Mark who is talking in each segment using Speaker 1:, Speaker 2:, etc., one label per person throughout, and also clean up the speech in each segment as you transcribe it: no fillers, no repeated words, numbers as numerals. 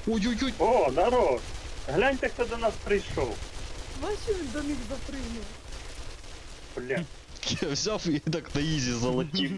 Speaker 1: Ой-ой-ой!
Speaker 2: О, народ! Гляньте, хто до нас прийшов.
Speaker 3: Бачиш, він до них запригнув.
Speaker 2: Бля.
Speaker 1: Я взяв і так на ізі залетів.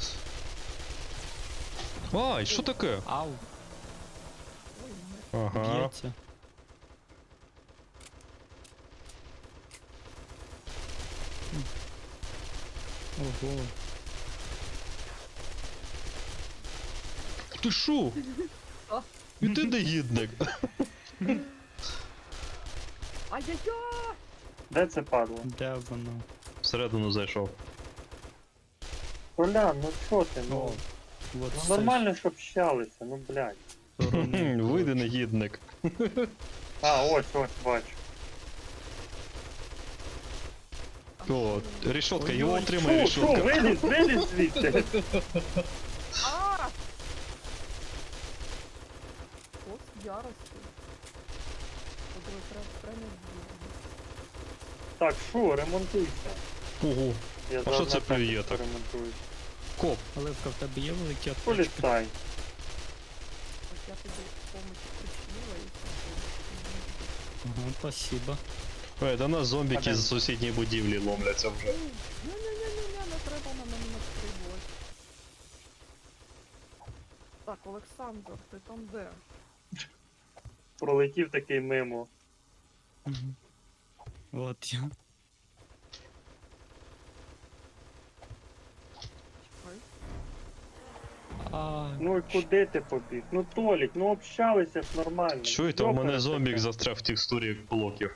Speaker 1: Ай, що таке?
Speaker 4: Ау,
Speaker 3: Ой,
Speaker 1: Ага.
Speaker 4: б'ється. Ого.
Speaker 1: Ти шо?
Speaker 3: А.
Speaker 1: І ти негідник.
Speaker 3: ай-яй-яй!
Speaker 2: Де це падло?
Speaker 4: Де воно?
Speaker 1: Всередину зайшов.
Speaker 2: Коля, ну що ти,
Speaker 4: О,
Speaker 2: ну?
Speaker 4: от
Speaker 2: Ну
Speaker 4: це
Speaker 2: нормально ж общалися, ну блядь.
Speaker 4: сторони.
Speaker 1: Вийди негідник.
Speaker 2: А, ось, бачу.
Speaker 1: О, рішотка, його
Speaker 4: Ой-ой.
Speaker 1: отримає
Speaker 2: Шо,
Speaker 1: рішотка.
Speaker 2: виліз звідти.
Speaker 3: А! От з ярості. Подруги, треба збігати.
Speaker 2: Так, шо, ремонтуйся.
Speaker 1: Ого,
Speaker 2: Я
Speaker 1: А
Speaker 2: зараз
Speaker 1: що це
Speaker 2: на техніку
Speaker 1: плює так?
Speaker 2: ремонтую.
Speaker 1: коп.
Speaker 4: Оливка, в тебе є великі аптечки?
Speaker 2: Поліцай.
Speaker 3: Ось я тобі помочь причинила і все.
Speaker 4: Ага, спасибо.
Speaker 1: Ой, до нас зомбіки
Speaker 2: Падем.
Speaker 1: з сусідньої будівлі ломляться вже.
Speaker 3: Ні-ні-ні-ні, не треба на мене настрибувати. Так, Олександр, ти там де?
Speaker 2: Пролетів такий мимо.
Speaker 4: Мгм. От я.
Speaker 3: Ой.
Speaker 4: А,
Speaker 2: Ну і куди ти побіг? Ну Толік, ну общалися ж нормально.
Speaker 1: Чуєте, у мене
Speaker 2: Йопере
Speaker 1: зомбік
Speaker 2: таке.
Speaker 1: застряг в текстурі блоків.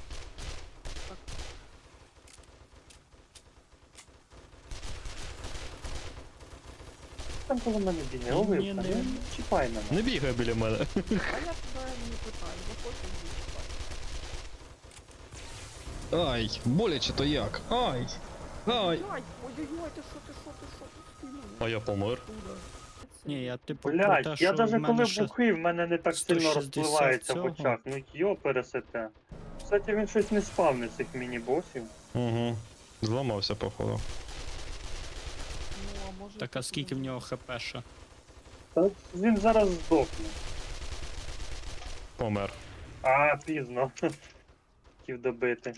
Speaker 2: Там коло мене бігає,
Speaker 4: Ні,
Speaker 2: Оливка,
Speaker 4: ні,
Speaker 2: не
Speaker 4: не.
Speaker 2: чіпай мене.
Speaker 1: Не бігай біля мене.
Speaker 3: А я тебе не питаю, захочу відчіпати.
Speaker 1: Ай, боляче то як? Ай! Ай!
Speaker 3: Ой-ой-ой, ти що, ти мене?
Speaker 1: А я помер.
Speaker 3: Откуда?
Speaker 4: ні, я типу про
Speaker 2: Блять,
Speaker 4: те,
Speaker 2: я
Speaker 4: що в
Speaker 2: даже
Speaker 4: мене
Speaker 2: коли
Speaker 4: ще...
Speaker 2: бухий, в мене не так сильно
Speaker 4: 160
Speaker 2: розпливається в
Speaker 4: цього.
Speaker 2: очах. Ну йо пересете. Кстати, він щось не спавнив цих міні-босів.
Speaker 1: Угу. Зламався, походу.
Speaker 3: Ну, а може...
Speaker 4: Так, а скільки в нього хпша?
Speaker 2: Та він зараз здохне.
Speaker 1: Помер.
Speaker 2: А, пізно. Хотів добити.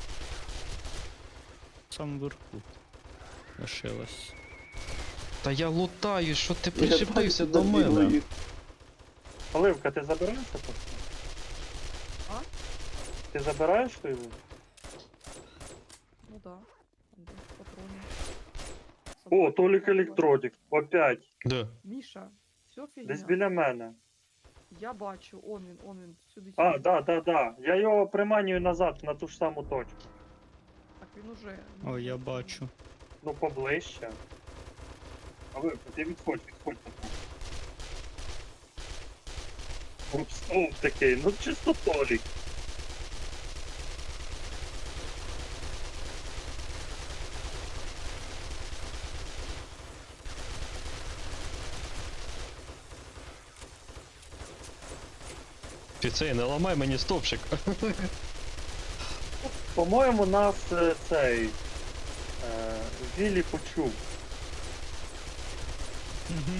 Speaker 4: Сам вверху. Лишилось.
Speaker 1: Та я лутаю, що ти причепився до мене?
Speaker 2: Оливка, ти забираєшся просто?
Speaker 3: А?
Speaker 2: Ти забираєш той лут?
Speaker 3: Ну да. Там де патрони.
Speaker 2: О,
Speaker 3: Собака.
Speaker 2: Толік Електродік. Опять.
Speaker 1: Де?
Speaker 3: Міша, все фігня.
Speaker 2: Десь біля мене.
Speaker 3: Я бачу, он він, сюди.
Speaker 2: А,
Speaker 3: сюди.
Speaker 2: да. Я його приманюю назад на ту ж саму точку.
Speaker 3: Так він уже.
Speaker 4: О, я бачу.
Speaker 2: Ну, поближче. Оливка, ти відходь. Упс, такий, ну чисто Толік.
Speaker 1: Фіцей, не ламай мені стовпчик.
Speaker 2: По-моєму, нас цей Віллі почув.
Speaker 4: Угу.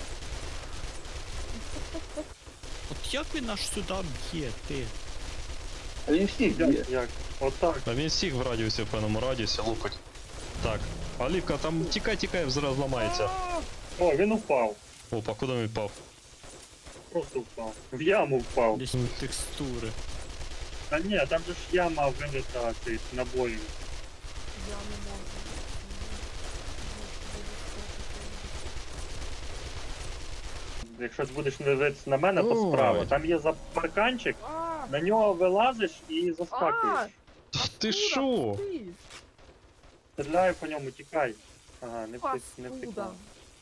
Speaker 4: От як він аж сюди б'є, ти?
Speaker 5: А він всіх б'є.
Speaker 2: Як? Отак.
Speaker 1: А він всіх в радіусі, в певному радіусі лупить. Так. Олівка, там тікай, зараз ламається.
Speaker 2: О, він упав.
Speaker 1: Опа, куди він впав?
Speaker 2: Просто впав. В яму впав.
Speaker 4: Десь текстури.
Speaker 2: Та ні, там же ж яма вилита цей набоїв.
Speaker 3: Я не можу.
Speaker 2: Якщо ж будеш дивитися на мене, то
Speaker 1: Ой.
Speaker 2: справа. Там є парканчик,
Speaker 3: А,
Speaker 2: на нього вилазиш і заскакуєш.
Speaker 1: Та ти шо?
Speaker 3: Ти,
Speaker 2: Стріляю по ньому, тікай. Ага, не
Speaker 3: паскуда.
Speaker 2: втекла.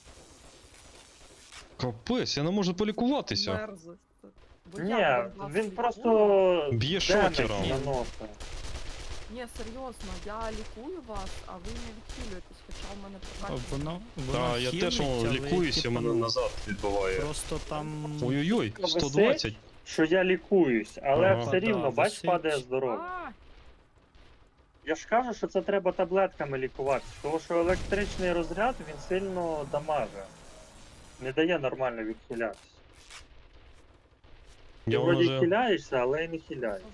Speaker 1: Капець, я не можу полікуватися.
Speaker 3: Мерзость. Бо
Speaker 2: Ні,
Speaker 3: я
Speaker 2: він
Speaker 3: демедж
Speaker 2: просто
Speaker 1: Б'є
Speaker 2: демедж
Speaker 1: шокером.
Speaker 2: наносить.
Speaker 3: Ні, серйозно, я лікую вас, а ви не відхилюєтесь, хоча в мене
Speaker 4: А
Speaker 3: прокачано.
Speaker 4: воно
Speaker 1: Та, я теж
Speaker 4: хілить, але,
Speaker 1: лікуюся,
Speaker 4: типу,
Speaker 1: мене назад відбиває.
Speaker 4: Просто там...
Speaker 1: Ой-ой-ой,
Speaker 2: Висить?
Speaker 1: 120.
Speaker 2: Що я лікуюсь, але
Speaker 1: Ага.
Speaker 2: все рівно,
Speaker 4: Да,
Speaker 2: бач,
Speaker 4: висить.
Speaker 2: падає здоров'я.
Speaker 3: А,
Speaker 2: Я ж кажу, що це треба таблетками лікуватися, тому що електричний розряд він сильно дамаже. Не дає нормально відхилятися. Ти
Speaker 1: Я
Speaker 2: вроді
Speaker 1: вже...
Speaker 2: хиляєшся, але й не хиляєшся.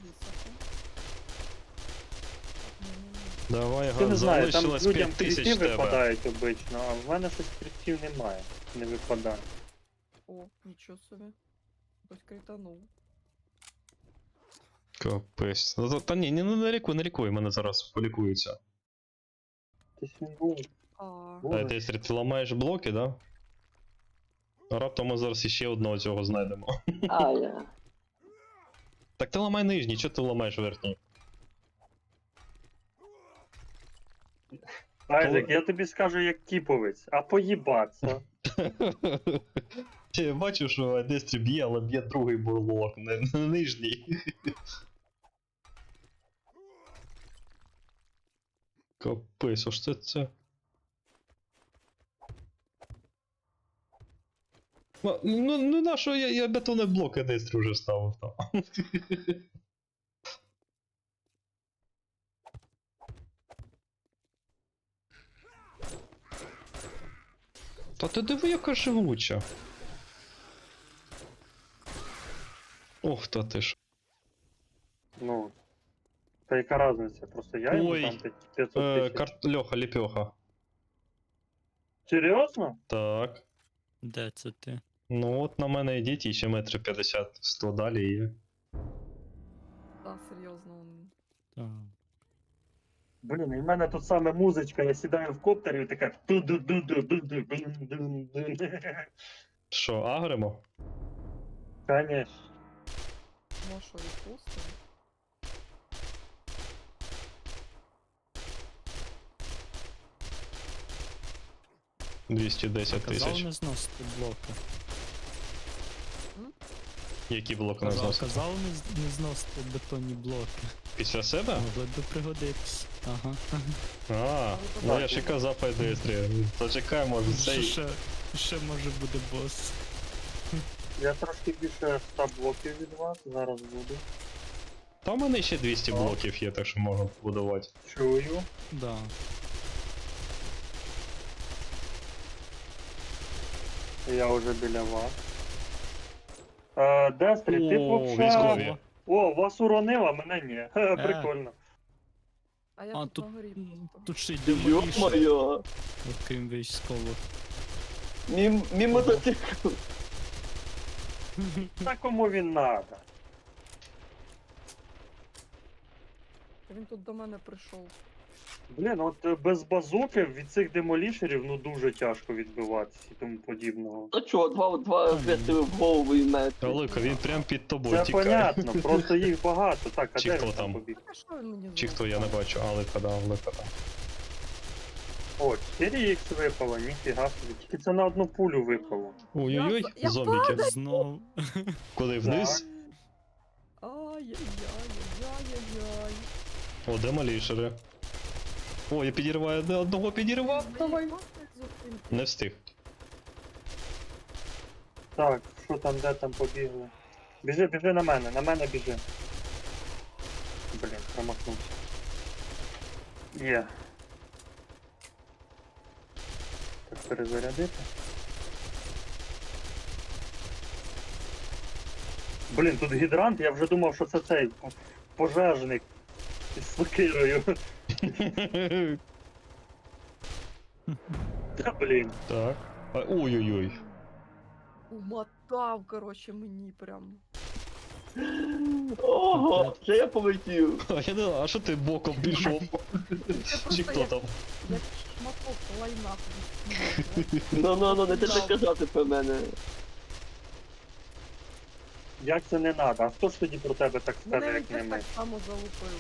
Speaker 1: Давай,
Speaker 2: Ти не знаю, там
Speaker 1: залишилось
Speaker 2: людям
Speaker 1: 5000
Speaker 2: кріти
Speaker 1: тебе.
Speaker 2: випадають обично, а в мене щось крітів немає. Не випадає.
Speaker 3: О, нічого собі. Хтось кританув.
Speaker 1: Капець. Ну, та ні, не лікуй, мене зараз полікуються.
Speaker 2: Ти він був.
Speaker 3: А,
Speaker 2: Боже.
Speaker 1: Ти ламаєш блоки, да? А раптом ми зараз іще одного цього знайдемо.
Speaker 5: А, я.
Speaker 1: Так ти ламай нижній, чого ти ламаєш верхній?
Speaker 2: Айзек, я тобі скажу як кіповець, а поїбаться.
Speaker 1: Я бачу, що Дестрі б'є, але б'є другий блок, не нижній. Капець, ось це. Ну на що я бетонний блок Дестрі вже ставив там. Та ти диви, яка живуча. Ох, та ти ж.
Speaker 2: Ну. Та яка різниця? Просто я йому
Speaker 1: Ой,
Speaker 2: там 500 тисяч.
Speaker 1: Льоха, ліпьоха.
Speaker 2: Серйозно?
Speaker 1: Так.
Speaker 4: Де це ти?
Speaker 1: Ну от на мене йдіть і ще метри 50-100 далі є.
Speaker 3: та, серйозно.
Speaker 4: Так.
Speaker 2: Блін, і в мене тут саме музичка, я сідаю в коптері і така ту-ду-ду-ду-ду-ду-ду-ду-ду.
Speaker 1: Що, агремо?
Speaker 2: Конечно.
Speaker 3: Ну що, відпустимо?
Speaker 1: $210
Speaker 4: Казав
Speaker 1: тисяч.
Speaker 4: не зносити блоки.
Speaker 1: Які блоки не зносити?
Speaker 4: Казав не зносити бетонні блоки.
Speaker 1: Після себе?
Speaker 4: Могли би пригодитись. Ага.
Speaker 1: А, ну я ж і казав Айдестрі. Зачекай, може цей.
Speaker 4: Ще може буде бос.
Speaker 2: Я трошки більше 100 блоків від вас, зараз буду.
Speaker 1: Та в мене ще 200 блоків є, так що можна будувати.
Speaker 2: Чую.
Speaker 4: Да.
Speaker 2: Я вже біля вас. Дестрі, ти
Speaker 1: О,
Speaker 2: вообще...
Speaker 1: військові.
Speaker 2: О, вас уронило, а мене ні. Ха, прикольно.
Speaker 3: А я
Speaker 4: А,
Speaker 3: тут
Speaker 4: тут-
Speaker 3: на горі просто.
Speaker 4: Тут ще й демоліше,
Speaker 5: Ё-моё!
Speaker 4: окрім військових.
Speaker 5: Мимо мотоцикл.
Speaker 2: Та кому він надо?
Speaker 3: Він тут до мене прийшов.
Speaker 2: Блін, от без базуки від цих демолішерів ну дуже тяжко відбиватися і тому подібного.
Speaker 5: А чо, два вистріли в голову і метр.
Speaker 1: Алика, він прям під тобою
Speaker 2: Це
Speaker 1: тікає.
Speaker 2: понятно, просто їх багато. Так, а
Speaker 1: Чи
Speaker 2: де
Speaker 1: хто
Speaker 2: він
Speaker 1: там?
Speaker 2: побіг?
Speaker 3: Так а що він мені
Speaker 1: Чи хто, я не бачу. А, Лика, да, Лика там.
Speaker 2: О, 4х випало, ніфіга собі. Тільки це на одну пулю випало.
Speaker 1: Ой-ой-ой,
Speaker 3: Я
Speaker 1: зомбіки.
Speaker 4: Знову.
Speaker 1: Куди вниз?
Speaker 3: Ай-яй-яй-яй-яй-яй.
Speaker 1: О, демолішери. О, я підірваю, одного підірвав.
Speaker 3: Давай.
Speaker 1: Не встиг.
Speaker 2: Так, що там, де там побігли? Біжи на мене біжи. Блін, промахнувся. Є. Так, перезарядити. Блін, тут гідрант, я вже думав, що це цей пожежник із сокирою. Та блін.
Speaker 1: Так. Ой-ой-ой.
Speaker 3: Умотав, короче, мені прям.
Speaker 5: Ого, це я полетів.
Speaker 1: А я не знаю, а що ти боком пішов? Чи хто там?
Speaker 3: Як шматок лайна тобі.
Speaker 5: Ну, не треба казати про мене.
Speaker 2: Як це не надо? А хто ж тоді про тебе так скаже,
Speaker 3: Мене він
Speaker 2: як не
Speaker 3: теж
Speaker 2: ми?
Speaker 3: так само залупив.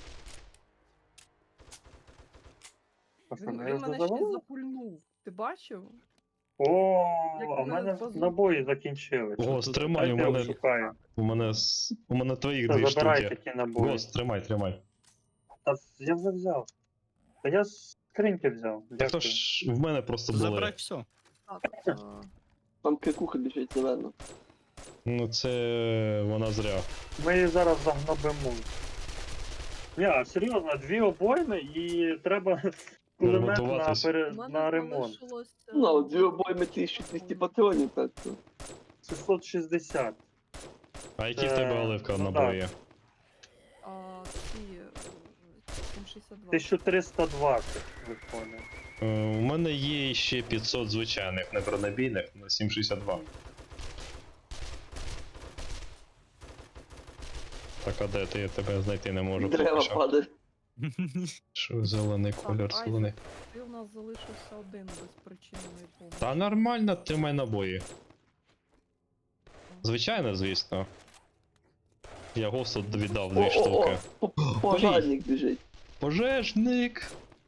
Speaker 2: А що,
Speaker 3: Він
Speaker 2: ми його
Speaker 3: мене ще й
Speaker 2: завалили?
Speaker 3: запульнув. Ти бачив?
Speaker 2: О,
Speaker 3: Як
Speaker 2: а в
Speaker 3: мене
Speaker 2: мене
Speaker 3: позу-
Speaker 2: набої закінчились.
Speaker 1: Гос, тримай, у
Speaker 2: Дайте
Speaker 1: мене,
Speaker 2: шукаю.
Speaker 1: у мене твоїх
Speaker 2: Та
Speaker 1: дві
Speaker 2: забирай
Speaker 1: штуки.
Speaker 2: такі набої.
Speaker 1: Гос, тримай.
Speaker 2: Та я вже взяв. Та я з скриньки взяв.
Speaker 1: Так то
Speaker 2: Дякую.
Speaker 1: ж в мене просто
Speaker 4: Забирай
Speaker 1: були.
Speaker 4: все.
Speaker 3: Так.
Speaker 5: Там крикуха біжить зелено.
Speaker 1: Ну це вона зря.
Speaker 2: Ми її зараз загнобимо. Ні, а серйозно, 2 обойми і треба кулемет на,
Speaker 1: Ремонтуватись.
Speaker 3: У мене
Speaker 2: на ремонт.
Speaker 3: залишилося...
Speaker 5: Ну, 2 обойми 1200 патронів, так що.
Speaker 2: 660.
Speaker 1: А які в тебе оливка
Speaker 2: ну,
Speaker 1: набої?
Speaker 3: Ці 762.
Speaker 2: 1320 виходить.
Speaker 1: У мене є ще 500 звичайних небронебійних на 7,62. Так, а де ти? Я тебе знайти не можу. поки
Speaker 5: Дерева
Speaker 1: що.
Speaker 5: падає.
Speaker 1: Що зелений кольор,
Speaker 3: Так,
Speaker 1: зелений.
Speaker 3: Ти у нас залишився один безпричинної помилки.
Speaker 1: Та нормально, тримай набої. Звичайно, звісно. Я госту віддав 2 штуки.
Speaker 5: Пожарник біжить.
Speaker 1: Пожежник!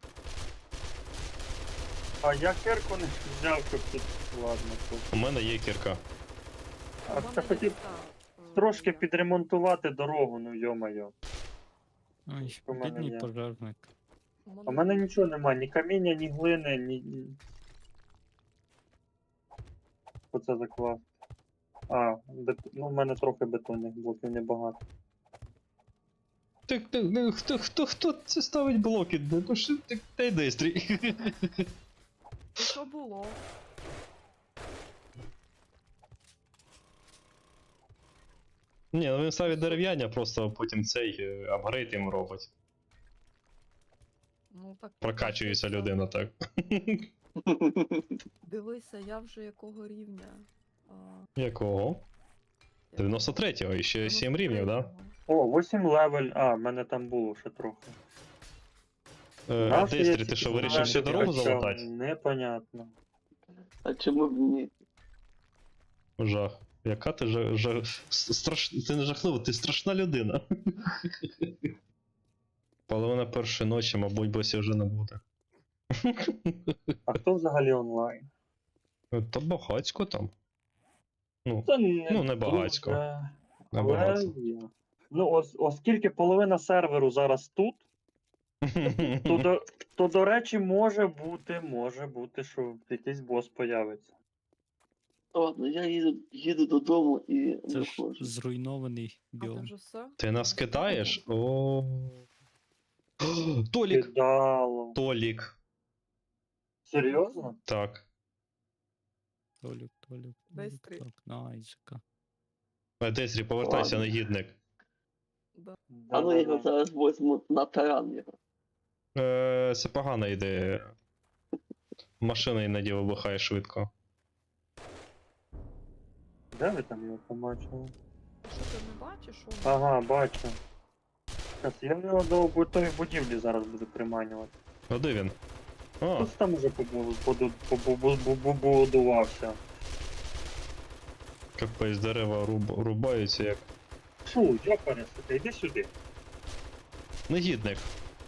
Speaker 2: А я кирку не взяв, щоб тут. Ладно, тут.
Speaker 1: У мене є кірка.
Speaker 2: А
Speaker 3: У мене
Speaker 2: це
Speaker 3: є
Speaker 2: хотів
Speaker 3: та,
Speaker 2: трошки
Speaker 3: як-
Speaker 2: підремонтувати дорогу, ну йо-моє.
Speaker 4: Ой,
Speaker 2: У мене
Speaker 4: бідний
Speaker 2: є.
Speaker 4: пожежник.
Speaker 2: А в мене нічого нема, ні каміння, ні глини, Оце заклав. Ну в мене трохи бетонних блоків небагато.
Speaker 1: Хто це ставить блоки? Ну що ти, та йди стрій.
Speaker 3: Що було?
Speaker 1: Ні, ну він ставить дерев'яні, а просто потім цей апгрейд йому робить.
Speaker 3: Ну так.
Speaker 1: Прокачується
Speaker 3: дивися.
Speaker 1: людина так.
Speaker 3: Дивися, я вже якого рівня.
Speaker 1: Якого? 93-го, і ще 7 рівнів, да?
Speaker 3: 93-го.
Speaker 2: О, 8 левель. В мене там було ще трохи.
Speaker 1: А
Speaker 2: Нащо я
Speaker 1: Дестрі,
Speaker 2: ці
Speaker 1: ти що,
Speaker 2: зелені
Speaker 1: вирішив ще дорогу
Speaker 2: качав?
Speaker 1: залатати?
Speaker 2: Непонятно.
Speaker 5: А чому б ні?
Speaker 1: Жах. Яка ти ти не жахлива, ти страшна людина. Половина першої ночі, мабуть, босі вже не буде.
Speaker 2: А хто взагалі онлайн?
Speaker 1: Та багацько там. Ну,
Speaker 2: Це не,
Speaker 1: Ну, не багацько.
Speaker 2: дуже,
Speaker 1: не
Speaker 2: але
Speaker 1: багато.
Speaker 2: є. Ну, оскільки половина серверу зараз тут, то до речі, може бути, що якийсь бос появиться.
Speaker 5: Ладно, я їду додому і
Speaker 4: Це
Speaker 5: не
Speaker 4: ж
Speaker 5: ходжу.
Speaker 4: зруйнований
Speaker 3: А ти
Speaker 4: біом.
Speaker 3: вже все?
Speaker 1: Ти нас кидаєш? О. Толік!
Speaker 2: Кидало.
Speaker 1: Толік.
Speaker 2: Серйозно?
Speaker 1: Так.
Speaker 4: Толік.
Speaker 3: Десь три.
Speaker 4: Так, на Айзека.
Speaker 1: Десрі, повертайся,
Speaker 5: Ладно.
Speaker 1: негідник.
Speaker 5: А ну я його
Speaker 2: Да-да-да.
Speaker 5: зараз возьму на таран його.
Speaker 1: Це погана ідея. Машина іноді вибухає швидко.
Speaker 2: Де ви там його побачили?
Speaker 3: Що ти не бачиш? Що?
Speaker 2: Ага, бачу. Щас, я в нього до готові будівлі зараз буду приманювати.
Speaker 1: А де він? А,
Speaker 2: Хтось там уже побудувався.
Speaker 1: капець, дерева рубаються як.
Speaker 2: Фу, йопаресика, йди сюди.
Speaker 1: Негідник.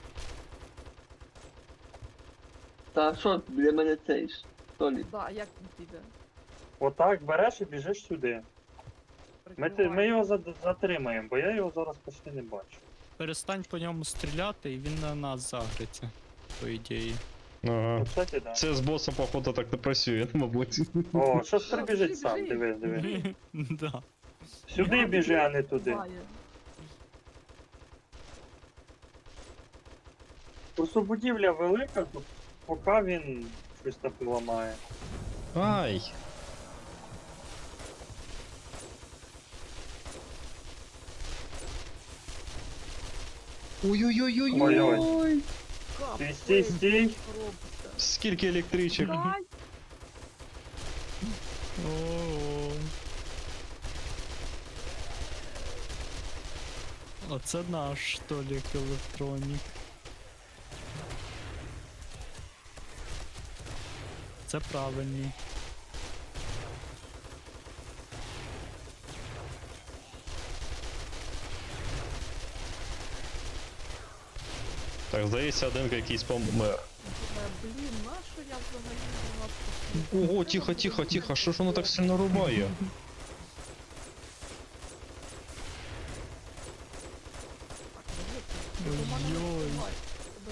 Speaker 5: Та що для мене цей ж? Толік.
Speaker 3: Да, як він піде?
Speaker 2: Отак береш і біжиш сюди. Ми його затримаємо, бо я його зараз почти не бачу.
Speaker 4: Перестань по ньому стріляти, і він на нас загриться, по ідеї.
Speaker 1: Ага.
Speaker 2: Ну, кстати, да.
Speaker 1: Це з босом, походу, так не працює, мабуть.
Speaker 2: О, щось прибіжить
Speaker 3: біжи,
Speaker 2: сам,
Speaker 3: біжи.
Speaker 2: диви.
Speaker 4: Да.
Speaker 2: Сюди біжи, а не туди.
Speaker 3: Буває.
Speaker 2: Просто будівля велика, то поки він щось там ламає.
Speaker 1: Ай! Ой-ой-ой-ой-ой!
Speaker 3: Капець,
Speaker 2: Стій.
Speaker 3: що робиться?
Speaker 1: Скільки електричок?
Speaker 3: Дай!
Speaker 4: О. Оце наш Толік електронік. Це правильний.
Speaker 1: Так, здається, один якийсь помер.
Speaker 3: Блін, нащо я взагалі у вас послухала?
Speaker 1: Ого, тихо, що ж воно так сильно рубає?
Speaker 3: Так, ну, до мене не
Speaker 4: Ой-ой.
Speaker 3: впливай, тебе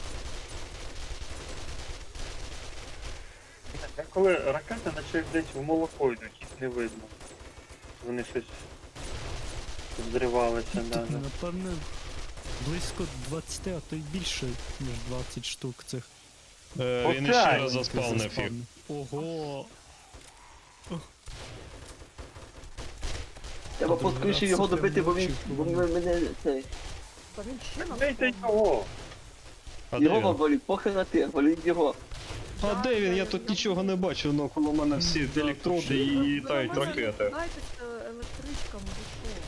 Speaker 3: нафіг.
Speaker 2: Коли ракети наче десь в молоко йдуть, їх не видно. Вони щось зривалися навіть.
Speaker 4: Напевне, близько 20, а то й більше, ніж 20 штук цих.
Speaker 1: Він іще раз заспавнив їх.
Speaker 4: Ого!
Speaker 5: Треба поскоріше його добити, бо він мене цей.
Speaker 3: Та він ще на
Speaker 2: Бийте
Speaker 3: спавні.
Speaker 2: його!
Speaker 1: А де
Speaker 5: Його
Speaker 1: він?
Speaker 5: валіть, похер на ти, валіть його.
Speaker 1: А де він? Я тут нічого не бачу, но коло мене всі електроди і літають ракети.
Speaker 3: Дайте електричками, ви що?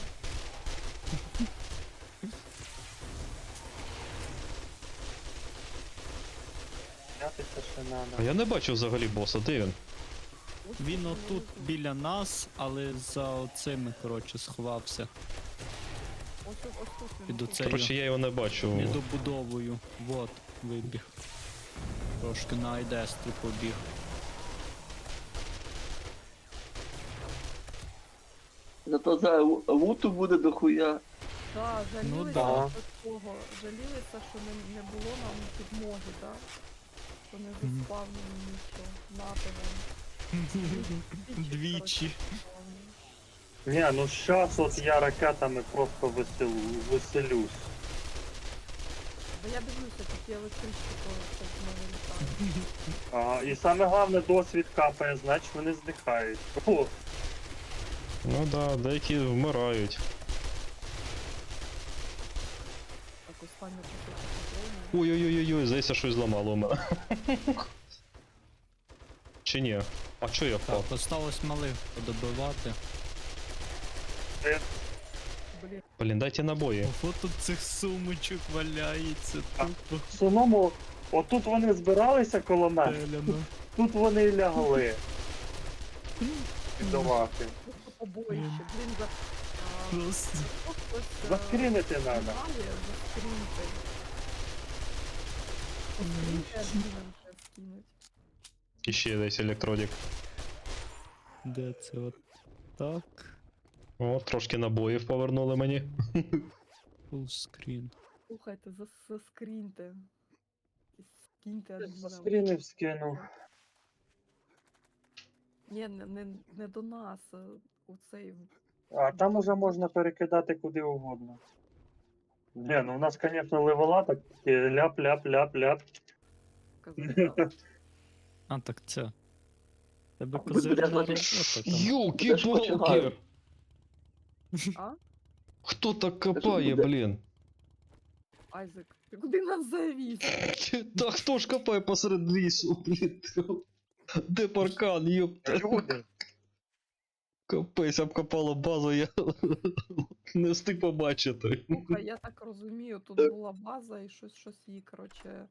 Speaker 2: Знятися ще
Speaker 1: А
Speaker 2: надо.
Speaker 1: я не бачу взагалі боса, де він?
Speaker 3: Ось
Speaker 4: Він
Speaker 3: тут
Speaker 4: отут
Speaker 3: внизу.
Speaker 4: біля нас, але за оцими, коротше, сховався.
Speaker 3: Ось тут він.
Speaker 4: Під
Speaker 3: отут.
Speaker 4: оцею
Speaker 1: Коротше, я його не бачу.
Speaker 4: недобудовою. Вот, вибіг. Трошки на айдестрі побіг.
Speaker 5: Зато за луту буде дохуя.
Speaker 3: Да, жалілися
Speaker 4: да.
Speaker 3: що того. Жалілися, що не було нам підмоги, так? Що не заспавнили нічого. Нати вам.
Speaker 4: Двічі.
Speaker 2: Ні, ну щас от я ракетами просто веселюсь.
Speaker 3: Бо я дивлюся, такі електрички, то в мене літають.
Speaker 2: І саме головне досвід капає, значить вони здихають. О,
Speaker 1: Ну да, деякі вмирають.
Speaker 3: Так, останнє таке патрони.
Speaker 1: Ой-ой-ой-ой, здається, щось зламало у мене. Чи ні? А чо я впав?
Speaker 4: Так, осталось малих подобивати.
Speaker 3: Блін,
Speaker 1: Блін, дайте набої.
Speaker 4: Ого, тут цих сумочок валяється, тупо
Speaker 2: в самому, отут вони збиралися коло мене,
Speaker 4: стеляно.
Speaker 2: тут вони і лягли. Піддавати.
Speaker 3: просто побоїще. Блін, за...
Speaker 4: Просто.
Speaker 3: Хтось,
Speaker 2: Заскрінити треба.
Speaker 3: Заскрінити. Заскрінити, адмінам треба скинуть.
Speaker 1: І ще десь електродик.
Speaker 4: Де це от так?
Speaker 1: О, трошки набоїв повернули мені.
Speaker 4: Full screen.
Speaker 3: Слухайте, заскріньте. Скиньте адмінам.
Speaker 2: Заскрінив, скинув.
Speaker 3: Ні, не до нас, у цей
Speaker 2: А там уже можна перекидати куди угодно. Ні, ну у нас, звісно, левела так ляп-ляп-ляп-ляп.
Speaker 3: казав.
Speaker 4: А, так це. Тебе
Speaker 5: А,
Speaker 4: козирна
Speaker 5: буде
Speaker 4: робота
Speaker 5: значить-
Speaker 4: там.
Speaker 1: Юлки-палки!
Speaker 3: А?
Speaker 1: Хто так копає,
Speaker 5: буде?
Speaker 1: блін?
Speaker 3: Айзек, ти куди нас завіз?
Speaker 1: Та хто ж копає посеред лісу, блін? Де паркан, ёпта?
Speaker 2: Люди.
Speaker 1: Капець, обкопало базу, я не встиг побачити.
Speaker 3: Слухай, я так розумію, тут була база і щось її, коротше,